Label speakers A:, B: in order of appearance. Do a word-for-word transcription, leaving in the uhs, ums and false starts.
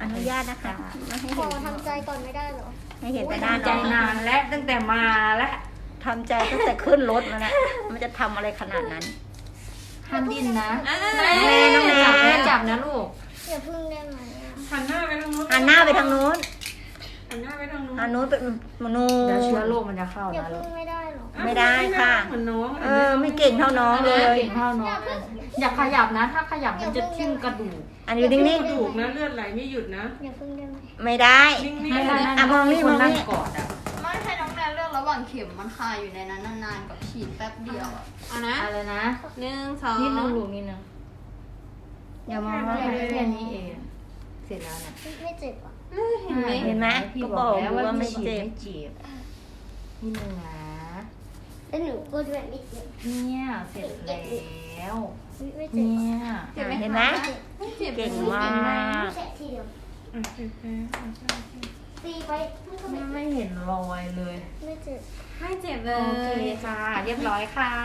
A: อนุญาตนะคะไม่ให้
B: ข
A: เห็
B: อน ทำใจก่อนไม่ได้เหรอ
A: ให้เห็นแต่หน้า
C: ทำใจ
A: น้อง
C: นานและตั้งแต่มาและ
A: ทำใจตั้งแต่ขึ้นรถมาแล้วมันจะทำอะไรขนาดนั้น
C: ห้ามดิ้นนะ
A: แม่น้องแน
C: จับนะ
A: น
C: จับนะลูก
B: อย่าพึ่งได้ไหมอะ
D: หันหน้าไปทางนู้น
A: หันหน้าไปทางนู้น
D: หันหน้าไปทางนู้น
A: หันนู้นเป็นมนู
C: เดี๋ยวเชื้อโรคมันจะเข้า
B: อย่า
C: นะลู
B: พึ่
C: ก
B: งไม่ได้เหรอ
A: ไม่ได้ค่ะ
D: เหมือนน้อง
A: เออไม่เก่งเท่าน้องเลย
C: เก่งเท่าน้องเลยอย่าขยับนะ ถ้าขยับมันจะทิ่มกระดูก
A: อันนี้นิ่ง
D: กระดูกนะเลือดไหลไม่หยุดนะ
B: อย่าพึ่งได้ไหม
A: ๆไม่ได้
D: นิ่ง
C: ไม่ได้
A: อ่ะมองนี่
C: คน
A: มองนี่
C: นั่งกอดอ่ะ
E: ไม่ให้น้องแนนเลือกระหว่างเข็มมันคาอยู่ในนั้นนานๆกับฉีดแป๊บเดียวอะเอานะ
C: อะไรนะ
E: หนึ่งสอง
C: นิดนึงลูกนิดนึง
A: อย่ามอง
C: แค่นี้เอง เสร็จแล้วนะ
B: ไม่เจ็บอ่ะ
E: เห็นไหม
A: เห็นไหม
C: พี่
A: ก็
C: บบ อ
A: อก ก
C: แล้ว
A: ว่า
C: ว่า
A: ไม่
C: ไม่
A: เจ็
C: เจ็
A: บ
C: บจีบนิดนึงนะ
B: แล้วหนูก็ด้วยไม่เจ็บ
C: เนี่ยเสร็จแล้ว
B: ไม่เจ็บ
C: เนี่ย
E: เจ็บไหม
A: เห็นไหม
E: ไม่เจ็บ
A: เก่งมาก
B: แค่ทีเดียว
D: ๆโอเคโอเคโอเคโอเค
B: ตีไปมันก็ไม่
C: ไม่เห็นรอยเลย
B: ไม่เจ็บ
E: ไม่เจ็บเล
C: โอเค
E: ย
C: ค่ะ เรียบร้อยค่ะ